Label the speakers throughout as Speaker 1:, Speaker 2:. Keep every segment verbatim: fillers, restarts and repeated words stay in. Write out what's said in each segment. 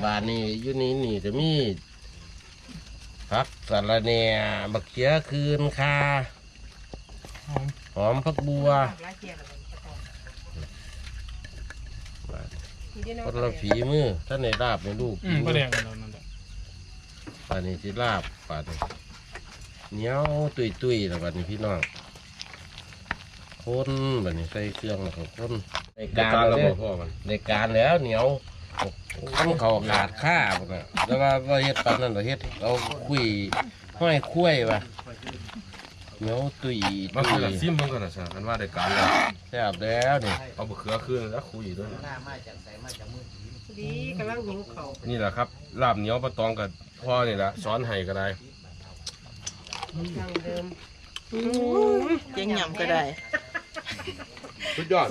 Speaker 1: บานนี่อยู่นี่นี่จะมีผักสะระแหน่บักเขียคืนคาหอมผักบัวคนละฝีมือท่านในลาบในลูก
Speaker 2: อืมก็แดงกันแล้วนั่นแหละ
Speaker 1: ป่านนี้ที่ลาบป่านนี้เหนียวตุยตุยแล้วป่านนี้พี่น้องคนป่านนี้ใส่เครื่องแล้วก็คนในการแล้วพ่อมันในการแล้วเหนียวต้องเขาขาดข้าป่ะนะแล้วว่าว่าเฮ็ดปานนั้นเราเฮ็ดเราคุยห้อยคุ้ยป่ะเหนียวตุย
Speaker 3: บาง
Speaker 1: ตุ
Speaker 3: คน
Speaker 1: ย
Speaker 3: ซิมบางคนอ่ะฉันว่าได้การแล้ว
Speaker 1: แซ่บแล้วนี่
Speaker 3: เอาบะเขือขึ้นแล้วคุยด้วย
Speaker 4: ดีกำลังหิวเขา
Speaker 3: นี่แหละครับลาบเหนียวปลาตองกับพ่อนี่แหละสอนให้ก็ได้
Speaker 4: ดังเดิม
Speaker 5: ยังหย่ำก็ได้
Speaker 3: สุดยอด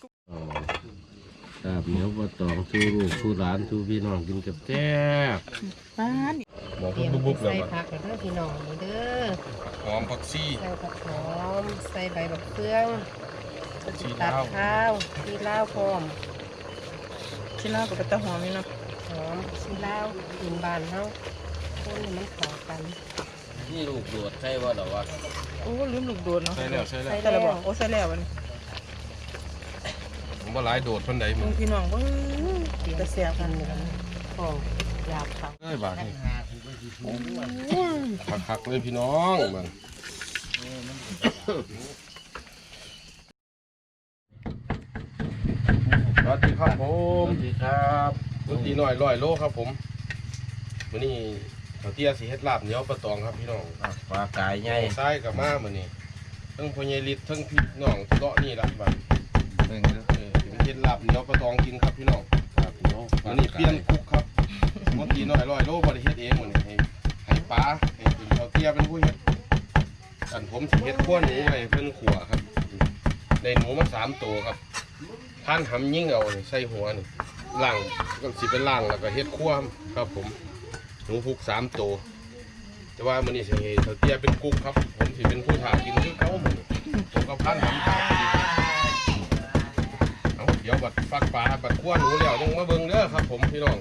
Speaker 1: ลาบเหนียวปลาตองสู้ลูกสู้หลานสู้พี่น้องกินกับแซ่บ
Speaker 5: ป้าน
Speaker 3: มอง
Speaker 4: เตรียม
Speaker 3: บุบๆเล
Speaker 4: ใส่
Speaker 3: ย
Speaker 4: ผักแล้วเด้อพี่น้องนี่เด้อ
Speaker 3: หอมผักชี
Speaker 4: ใส่ผักหอมใส่ใบบักเฟือง
Speaker 3: ชี
Speaker 4: ตั
Speaker 3: ลา
Speaker 4: ด
Speaker 3: ว
Speaker 4: ข้าวชีลาวพร้อม
Speaker 5: ชิ้นแรกก็เป็นตะหอมนี่เนาะ
Speaker 4: หอมชีลาวกินบานเฮาคนให้มันเข้ากัน
Speaker 1: นี่ลูกโดดใช่ว่าหรอวะ
Speaker 5: โอ้ลืมลูกโดดเนาะ
Speaker 3: ใช่แล้วใช่แล้ว
Speaker 5: แต่ละบอกโอ้ใส่แล้วมัน
Speaker 3: ผมว่าหลายโดดเพิ่นใดมึ
Speaker 5: มึ
Speaker 3: ง
Speaker 5: งพี่น้องเว่าจะเสียบ
Speaker 4: กั
Speaker 5: กัน น
Speaker 4: เหมือนของอยากเขา
Speaker 3: เอ้ยบาทนี่คักๆเลยพี่น้องมันสวัสดีครับผ
Speaker 1: ส
Speaker 3: ม
Speaker 1: วัสดีครับ
Speaker 3: ดนตรีหน่อยร้อยโลครับผมวันนี้เขาเตี้ยสีเฮ็ดลาบเหนียวปลาตองครับพี่น้อง
Speaker 1: ปลากายใหญ่
Speaker 3: ซ้ายกับมามื้อนี้ทั้งพญาลิตทั้งพี่น้องเลาะนี่ล่ะบัดเออถึงเฮ็ดลาบเหนียวปลาตองกินครับพี่น้อง
Speaker 1: ครับน้อง
Speaker 3: วันนี้เปลี่ยนคุกครับดนตรีหน่อยร้อยโลบ่ได้เฮ็ดเองมื้อนี้ให้ให้ป้าให้คุณเขาเตี้ยเป็นผู้เฮ็ดอันผมสิเฮ็ดขั้วหนูไว้เพิ่นขัวครับได้หนูมาสามตัวครับท่านหำยิ่งเอานี่ใส่หัวนี่ล่างก็สิเป็นล่างแล้วก็เฮ็ดขั้วครับผมหนูพุกสามตัวแต่ว่ามื้อนี้สิให้เขาเตี้ยเป็นกุ๊กครับผมสิเป็นผู้ถ่ากินคือเก่ามื้อนี้ผมก็พันหำตาพอดีเอาเดี๋ยวบัดฟักปลาบัดขั้วหนูแล้วยังมาเบิ่งเด้อครับผมพี่น้อง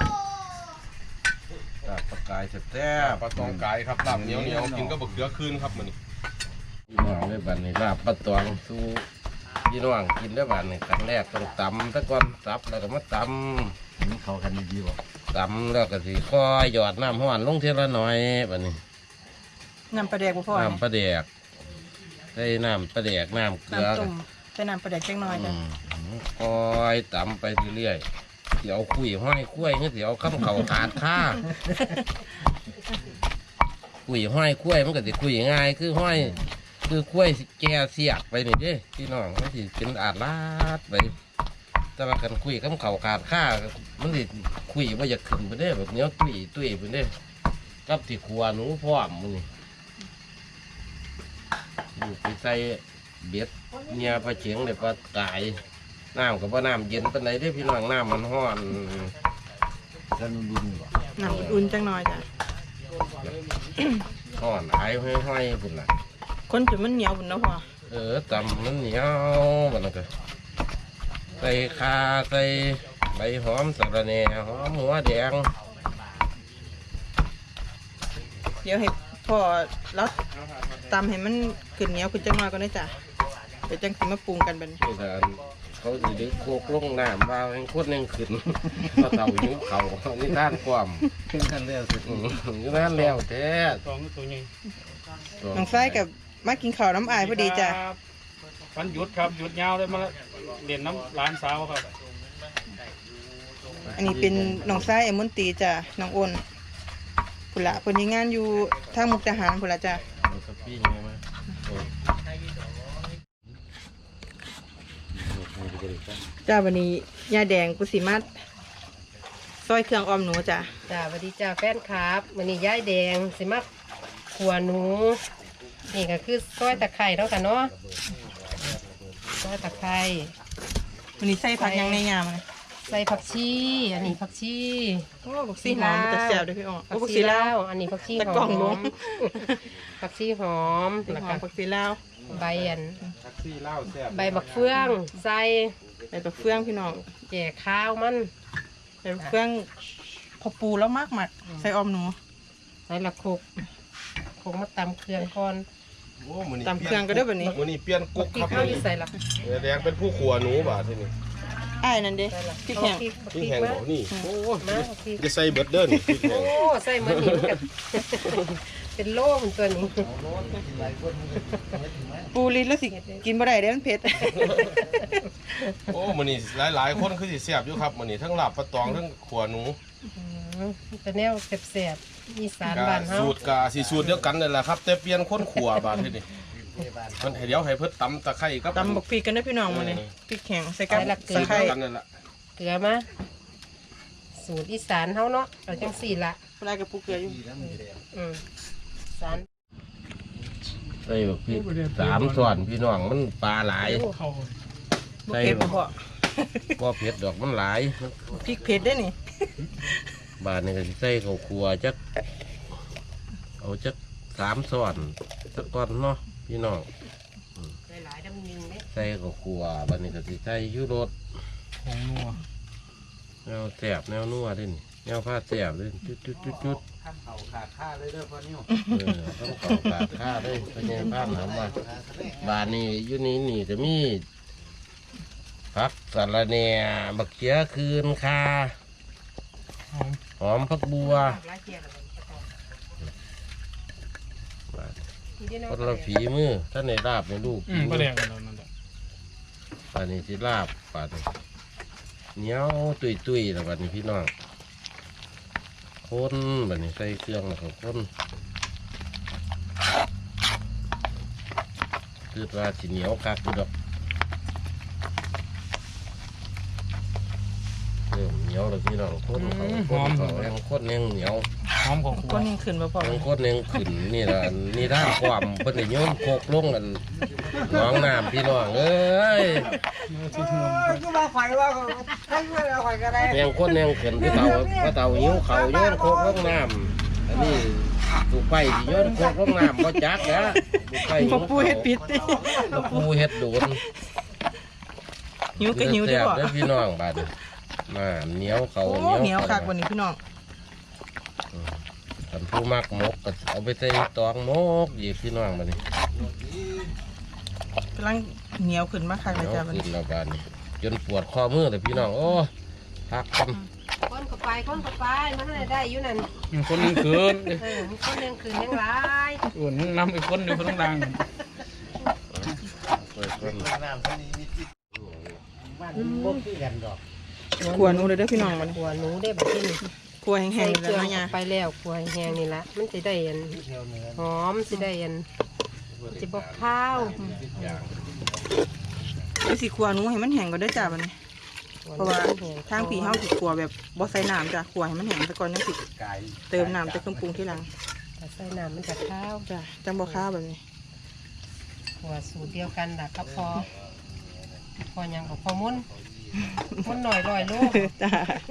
Speaker 1: ปลาปลากายแซ่บ
Speaker 3: ปลาตองกายครับลาบเหนียวเหนียวกินก็บะเขือคืนครับมื้อนี้
Speaker 1: พี่น้องได้บัดนี้ลาบปลาตองสู้พี่น้องกินได้บัดนี้ครั้งแรกต้องตำตะก้อนซับแล้วก็มาตำนี่เขากันดีบ่ตำแล้วก็สิค่อยหยอดน้ำห้อนลงเทีละหน่อยบัดนี้
Speaker 5: น้ำปลาแดกบ่พอ
Speaker 1: น้ำปลาแดกใส่น้ำปลาแดกน้ำเกลือ
Speaker 5: น้ำต้มใส่น้ำปลาแดกแค่น้อยจ้ะ
Speaker 1: อืมค่อยตำไปเรื่อยๆเดี๋ยวคุยห้อยคุ้ยเดี๋ยวข้ามเขาขาดค่า คุยห้อยคุ้ยมันก็สิคุยง่ายคือห้อย คือคุ้ยแก่เสียกไปนี่เด้พี่น้องมันสิเป็นอาดลาดไปแต่ว่ากันคุยข้ามเขาขาดค่ามันสิคุยว่าอยากขึ้นไปเด้แบบเนี้ยตุ้ยตุ้ยไปเด้กับที่ขัวหนูพร้อมมันนี่อยู่ไปใส่เบ็ดเนี่ยปลาเฉียงเลยปลากายน้ำกับว่าน้ำเย็นเป็นไรได้พี่น้องน้ำมันห้อนท่านบุญบ่
Speaker 5: น้ำอุ่นๆจังน้อยจ้ะ
Speaker 1: ห้อนไอ้ห้อยๆพุ่นล่ะ
Speaker 5: คนจุดมันเหนียวบุญเนาะพ่อ
Speaker 1: เออตำมันเหนียวมันก็ใส่คาใส่ใบหอมสะระแหน่หอมหัวแดง
Speaker 5: เดี๋ยวให้พ่อแล้วตำให้มันขึ้นเหนียวขึ้นจังน้อยก็ได้จ้ะเดี๋ยวจังสิมาปรุงกันบัดนี้
Speaker 1: นี่การเขาสิดึกโคกลงน้ำว่าให้คนหนึ่งขึ้น เขาเต่าหิวเขานี่ท่านความขึ้นท่านแล้วสินี่ท่านแล้วแท้
Speaker 2: ตองตัวใหญ่
Speaker 5: น้องไส้กับมากินข้าวน้ำอายพอดีจ้ะ
Speaker 2: ครับวันหยุดครับหยุดยาวเลยมาเรียนน้ำร้านสาวครับ
Speaker 5: อันนี้เป็นน้องไส้เอมอนตีจ้ะน้องอ้นพุ่นละเพิ่นมีงานอยู่ทางมุกดาหารพุ่นละจ้ะ
Speaker 1: เอาสปริงไงมาโอ้ย
Speaker 5: จ้าวันนี้ยาแดงกุสิมัดซอยเครื่องออมหนูจ้ะ
Speaker 4: จ้าสวัสดีจ้าแฟนครับวันนี้ย้ายแดงสิมาขัวหนูนี่ก็คือซอยตะไคร้เนาะค่ะเนาะซอยตะไคร้
Speaker 5: วันนี้ใส่ผักหยังในยามเลย
Speaker 4: ใส่ผักชีอันนี้ผักชี
Speaker 5: โอ้บักซีหอมมันจะแซ่บเด้วยพี่อ๋อโอ้
Speaker 4: ผั
Speaker 5: บั
Speaker 4: ก
Speaker 5: ก
Speaker 4: ชี
Speaker 5: ซีลา
Speaker 4: ลาว วอันนี้ผักชี
Speaker 5: ตะ
Speaker 4: ห
Speaker 5: กล่อ
Speaker 4: อง
Speaker 5: ลง
Speaker 4: ม ผักชีหอม
Speaker 5: สี
Speaker 4: แล้ว
Speaker 5: หอ
Speaker 4: ก็
Speaker 5: มบักซีลาว
Speaker 4: ใบอัน
Speaker 3: แท็กซี่เล่าแซ่บ
Speaker 4: ใบบักเฟืองใส่
Speaker 5: ใส่บักเฟืองพี่น้อง
Speaker 4: แก่ข้าวมัน
Speaker 5: ใส่บักเฟืองพอปูแล้วมากหมักใส่ออมหนู
Speaker 4: ใส่ละโคกโคกมาตำเครื่องก่อน
Speaker 3: โอ้มื้อนี้
Speaker 5: ตำเครื่องก็ได้แบบนี้
Speaker 3: มื้อนี้เปลี่ยนกุ๊ก
Speaker 4: พริ
Speaker 3: ค
Speaker 4: ก
Speaker 3: รับ
Speaker 4: ข้าวที่ใส่ละ
Speaker 3: เออแดงเป็นผู้ขัวหนูบาดทีนี้
Speaker 5: อ้ายนั่นเด้
Speaker 4: ใส่ละ
Speaker 5: พริกแห้ง
Speaker 4: เอาพริ
Speaker 3: พี่
Speaker 4: ก
Speaker 3: แห้ง
Speaker 4: มา
Speaker 3: บ่นี่โอ้
Speaker 4: มาเอาพริก
Speaker 3: จะใส่เบิดเด้อนี่พริกแห้
Speaker 4: โอ้
Speaker 3: ง
Speaker 4: ใส่เหมือนหินกัน เป็นโล่มันตัวนี้
Speaker 5: ปูลิ้นแล้วสิกินบ่ได้เด้มันเผ็ด
Speaker 3: โอ้มื้อนี้หลายๆคนคือสิแซ่บอยู่ครับมื้อนี้ทั้งลาบปลาตองทั้งขัวหนู
Speaker 4: อืมเป็นแนวแซ่บๆอีสาน
Speaker 3: ก็
Speaker 4: บ้านเฮา
Speaker 3: สูตรก็สิสูตรเดียวกันนั่นแหละครับ แต่เปลี่ยนคนขัวบาดทีนี้มันให้เดี๋ยวให้เพิ่นตำตะไคร้กับ
Speaker 5: ตำบักพริกกันได้อพี่น้องมาเนี่ยพริกแห้งใส่กับ
Speaker 3: ใส่
Speaker 5: ตะไคร้
Speaker 3: กันนั่นแหละ
Speaker 4: เกลือมาสูตรอีสานเฮาเนาะเราจังสี่ละ
Speaker 5: ปลากับปูเกลืออยู่
Speaker 4: อืมสาร
Speaker 1: ใส่แบบพี่สามส่วนพี่น้องมันปลาหลาย
Speaker 2: เข้า
Speaker 5: บ่เผ็ดบ่พอ
Speaker 1: บ่เผ็ดดอกมันหลาย
Speaker 5: พริกเผ็ดได้อนี่
Speaker 1: บาดนี่ก็สิใส่ข้าวคั่วจักเอาจักสามส่วนสักก่อนเนาะพี่น้อง
Speaker 4: หลายๆดำยิงเนี่ย
Speaker 1: ใส่ข้าวคั่วบาดนี้ก็สิใส่ยูรส
Speaker 2: ของนัว
Speaker 1: แนวแซ่บแนวนัวเด้นี่แนวผ้าแซ่บเด้จุดจุดจุดจุด
Speaker 6: ข้ามเขาขาดค่าเลยเด้อพ่อนิ้ว
Speaker 1: เออต้องเก่าปากข้าเด้พญายภาพถามว่าบาดนี้อยู่นี่นี่จะมีผักสะระแหน่บักเขียคืนคา
Speaker 2: หอม
Speaker 1: หอมผักบัว
Speaker 4: หลายเกียร์แล้วมัน
Speaker 1: บาด
Speaker 4: ทีเดียว
Speaker 1: คนละฝีมือท่านในลาบในลูก
Speaker 2: อืมก็แดงกันแล้วนั่นแหละ
Speaker 1: บาดนี้สิลาบปาดนี้เหนียวตุยตุยแล้วบาดนี้พี่น้องคนบาดนี้ใส่เครื่องแล้วก็คนคือว่าสิเหนียวคักอยู่ดอกเริ่มเหนียวแล้วพี่น้องคนเขาคนเขายังคนยังเหนียว
Speaker 2: หอมของครัว
Speaker 5: ก้นยังขึ้นบ่พอ
Speaker 1: ยังคนยังขึ้นนี่ละนี่ด้านความเพิ่นได้โยนโคกลงกันหน้องน้ำพี่น้องเอ้ย
Speaker 6: ก็มาไฟว่าให้เวลาไฟก็ได้
Speaker 1: ยังคนยังขึ้นพี่เต่าพี่เต่าหิวเขาโยนโคกลงน้ำอันนี้ถูกไปสิโยนโคกลงน้ำบ่จักนะถูกไป
Speaker 5: พอปูเฮ็ดปิดติ
Speaker 1: พอปูเฮ็ดโดน
Speaker 5: หิวก็หิวเด้อบ่
Speaker 1: แซ่บเด้อพี่น้องบาดนี้มาเหนียวเขา
Speaker 5: โอ้
Speaker 1: เหนียว
Speaker 5: เหนียวคัก
Speaker 1: เขา
Speaker 5: วันนี้พี่น้อง
Speaker 1: คันผู้มักหมกก็เอาไปใส่ตองหมกหยิบพี่น้องบาดนี้
Speaker 5: กำลังเหนียวขึ้นมาคัก
Speaker 1: เห
Speaker 5: เล
Speaker 1: นี
Speaker 5: ย
Speaker 1: ยว
Speaker 5: จ้าวัน
Speaker 1: ขึ้น
Speaker 5: นี้
Speaker 1: แล้วบาดนี้จนปวดข้อมือเลยพี่น้องโอ้พักกัน
Speaker 4: คนเข้าไปคนเข้าไปมันอะไรได้อยู่นั่น
Speaker 2: มีคนหนึงคืน
Speaker 4: เออมันคนยังคืนยังหลาย
Speaker 2: ส่วนน้ำอีกคนอยู่ข้างล่าง
Speaker 1: เปิดคน
Speaker 6: น้ำที่นี่มีจิตบ้านพวกที่กันดอก
Speaker 5: ขวหนูเลยเด้อพี่น้องวันนี้
Speaker 4: หัวหนูได้แบบที่นี่
Speaker 5: ขวแห้
Speaker 4: ใส่
Speaker 5: งๆ
Speaker 4: เค
Speaker 5: แล้
Speaker 4: รื่
Speaker 5: ว
Speaker 4: อง
Speaker 5: นะยา
Speaker 4: ไปแล้วขัวแห้งนี่ละมันจะได้อัน
Speaker 6: เที่ยวเหนือ
Speaker 4: หอมสิได้อันจะบอกข้าว
Speaker 5: ไอ้สิขวหนูให้มันแห้งก่อนเด้อจ้าวันนี้เพราะว่าทางผีเฮาสิขวแบบบ่ใส่น้ำจ้ะขวให้มันแห้งซะก่อนจังสิ
Speaker 6: ไก่
Speaker 5: เติมน้ำแต่เครื่องปรุงทีหลัง
Speaker 4: แต่ใส่น้ำมันจะข้าว
Speaker 5: จ้ะจังบ่ข้าวแบบนี้
Speaker 4: ขัวสูตรเดียวกันดักกับพอพอยังกับพอมุนมุนหน่อยลอยลูก
Speaker 5: จ้า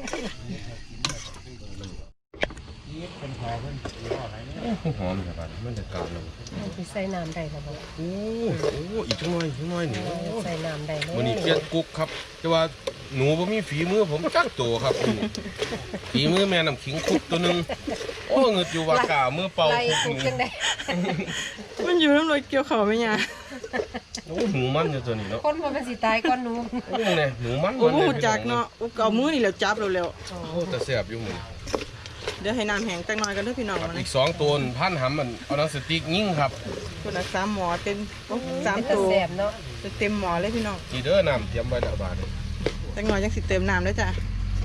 Speaker 6: เป็นพอเพิ่นหรือว่าอะไรเนี่ย
Speaker 1: หอมครับมันจะกลับเลย
Speaker 4: มันใส่น้ำได้แล้วบ่
Speaker 3: โอ้โหอีกจังหน่อยจังหน่อยหนู
Speaker 4: ใส่น้ำได้เลย
Speaker 3: วันนี้เปลี่ยนกุ๊กครับแต่ว่าหนูบ่มีฝีมือผมจักตัวครับมื้อนี้ฝีมือแม่น้ำขิงคุกตัวหนึงโอ้เงึดอยู่ว่ากล้ามือเป่า
Speaker 4: ไล่
Speaker 3: คุก
Speaker 4: กุ๊ก
Speaker 3: หนู
Speaker 4: ยังได้
Speaker 5: มันอยู่น้ำลอยเกี่ยวเขาไหมยา
Speaker 3: โอ้หนูมันอยู่ตัวนี้เนาะ
Speaker 4: คนมันสิตายก่อนหนู
Speaker 3: โอ้เนี่ยหนูมัน
Speaker 5: โอ้
Speaker 3: มัน
Speaker 5: โห
Speaker 3: เลย
Speaker 5: จากเนาะอุกเอามือนี่แล้วจับเร็ว
Speaker 3: โอ้แต่แซ่บอยู่มื้อนี้
Speaker 5: ๆเดี๋ยวให้น้ำแห้งจังหน่อยกันเด้อพี่น้อง
Speaker 3: ครับ
Speaker 5: มา
Speaker 3: อี
Speaker 5: นะ
Speaker 3: กสองตัวนี่พันหำมันเอาหนังสติ๊กยิงครับ
Speaker 5: คนละสามหมอเต็มโอ้สาม
Speaker 4: เป็น
Speaker 5: ตัว
Speaker 4: แสบเนาะ
Speaker 5: เต็มหมอเลยพี่น้อง
Speaker 3: ทีเด้อน้ำเตรียมไว้แล้วบาดนี้
Speaker 5: จังหน่อยยังสิเติมน้ำเลยจ้ะ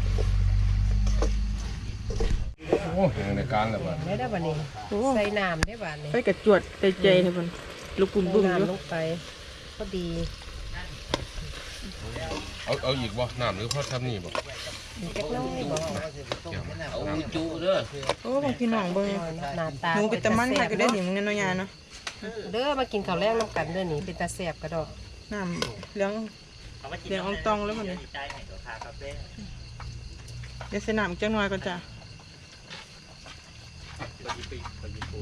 Speaker 3: โอ้ยังในการแล้วบาด
Speaker 4: ไม่ได้บัดนี้
Speaker 5: โอ้
Speaker 4: ใส่น้ำได้บัดนี้
Speaker 5: ไปกระจวดใจใจเลยมันลูกปุ่มบุ้มอยู่
Speaker 4: น้ำลงไปพอดี
Speaker 3: เอาเอาอีกบ่น้ำหรือพอทำนี่บ่
Speaker 4: มีจักน้อยบอก
Speaker 1: เอาจุเด้อ
Speaker 5: โอ้ของพี่น้องเบิ่ง
Speaker 4: หน้าตา
Speaker 5: หนูเป็นตะมันค่ะก็ได้หนิมึงเนี่ยเนาะยาเนาะ
Speaker 4: เด้อมากินข้าวแรงน้ำกันเด้อนี่เป็นตาแสบกระดอก
Speaker 5: น้ำเหลืองเหลืองอองตองแล้วมันเนี่ยเดี๋ยวใส่น้ำจังหน่อยก่อนจ้ะ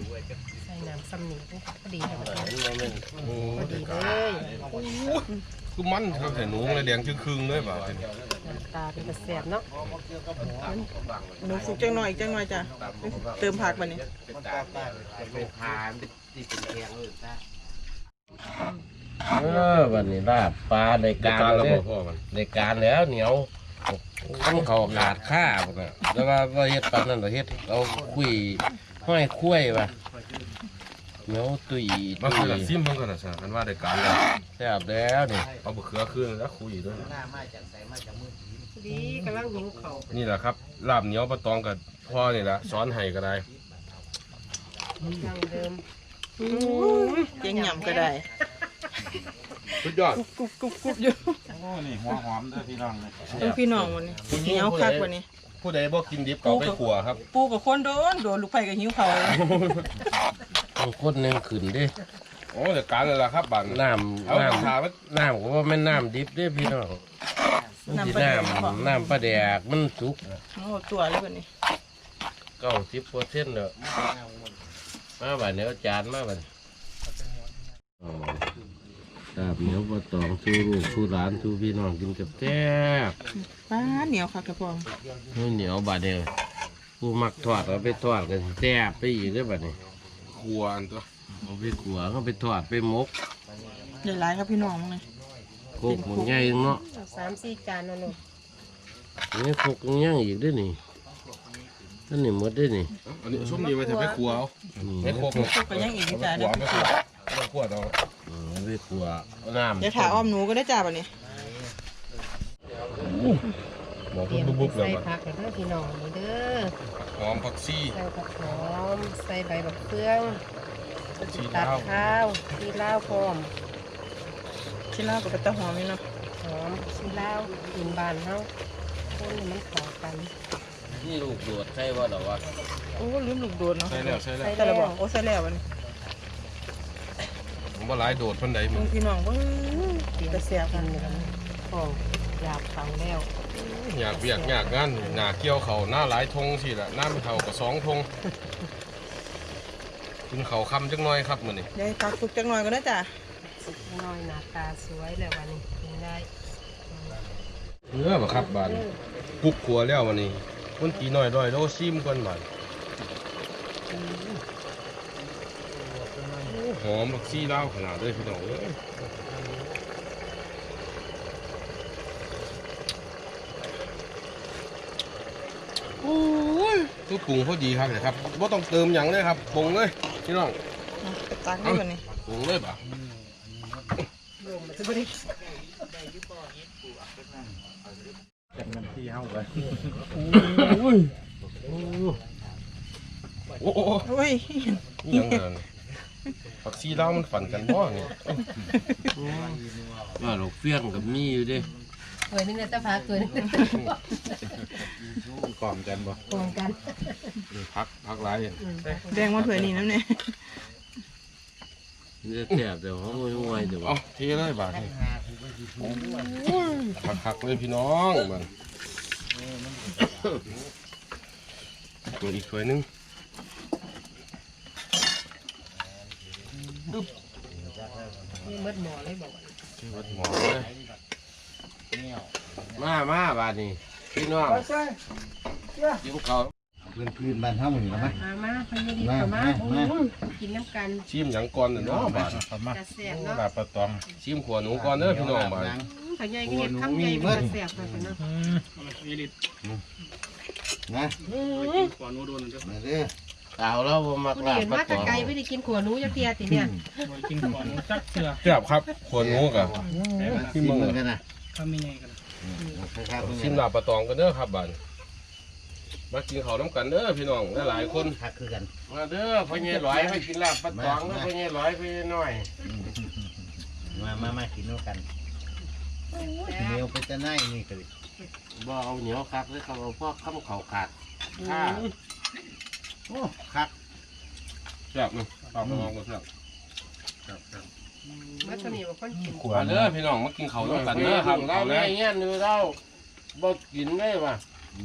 Speaker 4: ใส่น้ำซ้ำนี่พอดีเลยบัดนี้
Speaker 3: โอ้
Speaker 4: พอดีเลย
Speaker 5: ข
Speaker 3: คือมันครับแต่หนูเลยแดงครึ่งๆเลยบ่า
Speaker 4: ตาเป็นกระแสบเนาะ
Speaker 5: หนูสุกจังหน่อยอีกจังหน่อยจ้ะเติมผักมานี่
Speaker 1: เออวันนี้ลาบปลาในการ
Speaker 3: แล้ว
Speaker 1: เลย
Speaker 3: พ่อมัน
Speaker 1: ในการแล้วเหนียวต้องเขาขาดข้าพวกน่ะแต่ว่าว่าเฮ็ดปานนั้นเราเฮ็ดเอาคุยห้อยคุ้ยว่ะเหนียวตุย
Speaker 3: มา
Speaker 1: ตุ
Speaker 3: คือละ
Speaker 1: ย
Speaker 3: ซิมเพิ่นกันนะซะกันว่าได้การแล้ว
Speaker 1: แซ่บแล้วนี่
Speaker 3: เอาบะเขือขึ้นแล้วคุยด้วย
Speaker 4: ดีกำลังหิวเขา
Speaker 3: นี่แหละครับลาบเหนียวปลาตองกับพ่อนี่แหละสอนให้ก็ได้
Speaker 4: ดังเดิม
Speaker 5: เจ๊งหย่ำก็ได้
Speaker 3: สุดยอด
Speaker 5: กรุบกรุบกรุบอยู่
Speaker 2: โอ้นี่หัวหอมเด้อพี่น้องเลย
Speaker 5: เออพี่น้องวันนี้เหนียวคักวันนี้
Speaker 3: ผู้ใดบ่กินดิบก็เอาไปขัวครับ
Speaker 5: ปูกับคนโดนโดนลูกไผ่กับหิวเขา
Speaker 1: ต้องคนหนึงขึ้นเดิ
Speaker 3: โอ้แต่การเลยล่ะครับบัน
Speaker 1: น้
Speaker 3: เอา
Speaker 1: ำน้
Speaker 3: ถามว่า
Speaker 1: ำน้ำก็ว่าแม่นน้ำดิบเด้อพี่น้องมันสิน้ำน้ำปลาแดกมันสุก
Speaker 5: โอ้ตัวเลยวันนี้
Speaker 1: เก้าสิบเปอร์เซ็นต์แล้วมาบัดเนี้ยจานมาบัดอ๋อลาบเหนียวปลาตองสู้ลูกสู้หลานสู้พี่น้องกินกับแซ่บ
Speaker 5: ป้าเหนียวคักกระพอง
Speaker 1: เหนียวบาดเดียวผู้มักทอดเอาไปทอดกันแซ่บไปอีกเด้อบัดนี้
Speaker 3: ขัวอันตัว
Speaker 1: เอาไปขัวเอาไปทอดไปหมก
Speaker 5: ใหญ่หลายครับพี่น้องมั้งเลย
Speaker 1: โคกหมกใหญ่เนาะ
Speaker 4: เอาสามสี่จานเนาะลูก
Speaker 1: นี่โคกย่างอีกเด้วยนี่นั่นนี่หมดเด้วยนี่
Speaker 3: อันนี้ชุ่มนี้ไว้ถ้าไปขัวเอา
Speaker 1: นี่
Speaker 3: ไม่ครบ
Speaker 5: พวกก็ยังอีกจ้า
Speaker 3: ขั
Speaker 5: เด้
Speaker 3: ว
Speaker 5: อ
Speaker 3: ไม่ขัวไม่ขัวเอา
Speaker 1: อืมเอาไปขัวเอาน้ำ
Speaker 5: เดี๋ยวถาอ้อมหนูก็ได้จ้าวันนี้
Speaker 3: หมอ
Speaker 4: เตรียม
Speaker 3: บุบๆเลย
Speaker 4: ใส่
Speaker 3: ว่ะ
Speaker 4: ผักแล้วเด้อพี่น้องนี่เด้อ
Speaker 3: หอมผักชี
Speaker 4: ใส่ผักหอมใส่ใบบักเฟือง
Speaker 3: ชี
Speaker 4: ตัด
Speaker 3: ลาว
Speaker 4: ข้าวชีลาวพร้อม
Speaker 5: ชิ้นล่ากับตะหอมนี่เนาะ
Speaker 4: หอมชีลาวกินบานเฮาคนให้มันเข้ากัน
Speaker 1: นี่ลูกโดดใช่ว่าหรอวะ
Speaker 5: โอ้ลืมลูกโดดเนาะ
Speaker 3: ใช่แล้วใช่แล้ว
Speaker 5: แต่ละบอกโอ้ใส่แล้ววันนี้
Speaker 3: ผมว่าหลายโดดพันใดมึ
Speaker 5: มึ
Speaker 3: ง
Speaker 5: งพี่น้องเว่า
Speaker 4: เตรียม
Speaker 5: จะเสีย
Speaker 4: กั
Speaker 5: กัน น
Speaker 4: เลยกันของอยากฟังแล้ว
Speaker 3: อยากเบียกอยากงานหนาเกี่ยวเขาหน้าหลายทงสิละหน้าไม่เท่ากับสองทงกินเขาคำจังน้อยครับมื้อนี้
Speaker 5: เดี๋ยวตักสุกจังหน่อยก็ได้จ้า
Speaker 4: สุกน้อยหน้าตาสวยแล้ววันนี้กินได้
Speaker 3: เนื้อบ่ครับบานกุ๊กขัวแล้ววันนี้คนตีน้อยร้อยโลซิมก่อนบานหอมบักซี่ลาวขนาดเลยพี่น้องเอ้ยโอ้ยคือปรุงพอดีครับเลยครับว่าต้องเติมหยังเลยครับปรุงเลยพี่น้อง
Speaker 5: เอาไปตักได้วันนี้
Speaker 3: ปรุงเลยป่ะ โอ้โห
Speaker 5: โอ้ย
Speaker 3: นี่ยังไงผักซีลาวมันฝันกันบ่เนี่ย
Speaker 1: ว่าลูกเฟี้ยงกับมีอยู่เดิ
Speaker 4: เกิดนี่เนี่ยจะพาเกิดนี่
Speaker 3: กล่อมกันบ่
Speaker 4: ตรงกัน
Speaker 3: พักพักหลายอย่าง
Speaker 5: แดงมาเผื่อนี่น้ำเนี่ย
Speaker 1: นี่จะแซ่บแต่ห้องห่วยๆเดี๋ยว
Speaker 3: เอาเทเลยบาทนี่พักๆเลยพี่น้องมันตัวอีกถ้วยหนึง
Speaker 4: นี่มดหมอเลยบอก
Speaker 3: ที่วัดหมอเลย
Speaker 1: มามาบาดนี้พี่น้องกินข้าว
Speaker 6: พื้นพื้นบ้านเฮาหมู่นะมั้ย
Speaker 4: มามาพยาดีเข้ามาโอ้ยกินน้ำกัน
Speaker 3: ชิมหยังก่อนน่ะเนาะบาท
Speaker 4: กระแสบเนาะ
Speaker 3: ลาบปลาตองชิมขวหนูก่อนเด้อพี่น้องบาท
Speaker 4: พยายก็เห็นคำใหญ่กระแสบเลยเนาะ
Speaker 6: นะ
Speaker 2: ก่อนโนโดนเด้อ
Speaker 6: มาเด้อ
Speaker 1: สาวเราบ่มัก
Speaker 4: ผู้
Speaker 1: ลาบ
Speaker 4: เห็น
Speaker 1: ปลา
Speaker 4: มา
Speaker 1: ต
Speaker 4: แต่
Speaker 1: อง
Speaker 4: ไกลไม่ได้กินขัวหนูจะเพียติเนี่ย
Speaker 2: กินก่อนจักเสือ
Speaker 3: แซ่บครับขวหนูกะ
Speaker 6: ชิมเหมือนกันนะ
Speaker 2: ทำยังไงกัน
Speaker 6: ครับ
Speaker 3: ชิมลาบปลาตองกันเด้อครับบาทมากินข้าวน้ำกันเด้อพี่น้องหลายๆคน
Speaker 6: คักคือกัน
Speaker 1: มาเด้อพ่อใหญ่หลอยไปกินลาบปลาตองแล้วพ่อใหญ่หลอยไปน้อย
Speaker 6: มามามากินด้วยกันเหนียวไปจะไหนนี่ก็
Speaker 1: บ่เอาเหนียวคักเลยครับเอาพวกข้าวเขาขาดข้า
Speaker 6: โอ้คัก
Speaker 3: แซ่บเนาะปลาตองก็แซ่บ
Speaker 4: มาตัวนี้ว่าคนกิน
Speaker 3: มาเด้อพี่น้องมากินข้าวน้ำกันเด้อครับ
Speaker 1: เรา
Speaker 3: ข้าวแร
Speaker 1: แม่
Speaker 3: ง
Speaker 1: เงี้ยดูเราบ่กินได้ป่ะ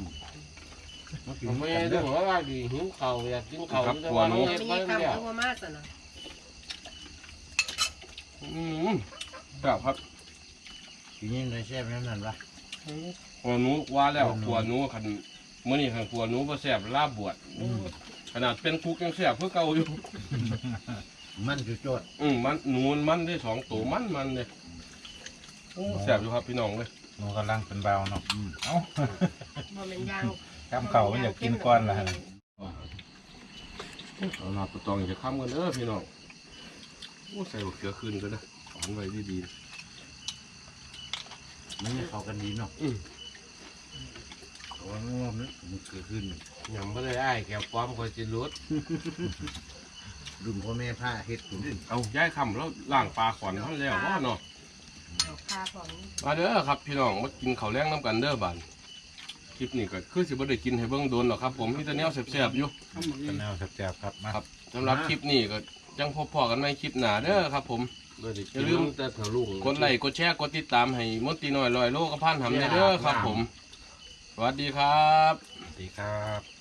Speaker 1: ไม่ได้บอกว่าดีหิวข้าวอยากกินข้าวแต่ว่า
Speaker 4: ไม่
Speaker 1: เฮ็ด
Speaker 4: ใช่
Speaker 1: บ่
Speaker 4: คำ
Speaker 1: ได้
Speaker 4: เอาว่ามาสนะ
Speaker 3: อืมแซ่บครับ
Speaker 6: กินยังไงแซ่บนั่นนั่นวะ
Speaker 3: ขัวหนูว่าแล้วขัวหนูคันมื้อนี้คันขัวหนูบ่แซ่บลาบบวชขนาดเป็นคุกยังแซ่บเพื่อเก่าอยู่
Speaker 6: มันจุดโจด
Speaker 3: อืมมันหนูมันได้สองตัวมันมันเลยโอ้แซ่บอยู่ครับพี่น้องเลย
Speaker 7: หนูกำลังเป็นเบาเนาะเอ้า
Speaker 4: มันเป็นยาง
Speaker 7: กำเข่ามันอยากกินก้อนละฮะ
Speaker 3: เอาลาปะตองจะค้ำกันเด้อพี่น้องโอ้ใส่บักเกลือขึ้นก็ได้หวานไว้ดี
Speaker 6: มันไม่เข้ากันดีเนาะ
Speaker 3: ๆอืม
Speaker 6: เพราะว่ามันว่ามันมันเกิดขึ้น
Speaker 1: ยำไม่ได้ไอ้ายแก้วป้อมคอยจิรุด
Speaker 6: รุ่นพ่อแม่ผ้าเฮ็ดขุนดิน
Speaker 3: เอาย้ายคำแล้วล่างปลาขอนท่านแล้วว่าเนาะ
Speaker 4: เอาคาของ
Speaker 3: มาเด้อครับพี่น้องมากินข้าวแรงน้ำกันเด้อบานคลิปนี้ก็คือสิบ่ได้กินให้เบิ่งโดนหรอกครับผมมีแต่แนวแซ่บๆอยู่
Speaker 7: เป็นแนวแซ่บๆครับมา
Speaker 3: ครับสำหรับคลิปนี้ก็จังพบพอกันในคลิปหน้าเด้อครับผม
Speaker 1: อย่าลืมแต่ถลุง
Speaker 3: กดไลค์กดแชร์กดติดตามให้มนตรีน้อยลอยโลกกับพันหำเด้อครับผม สวัสดีครับ
Speaker 7: สวัสดีครับ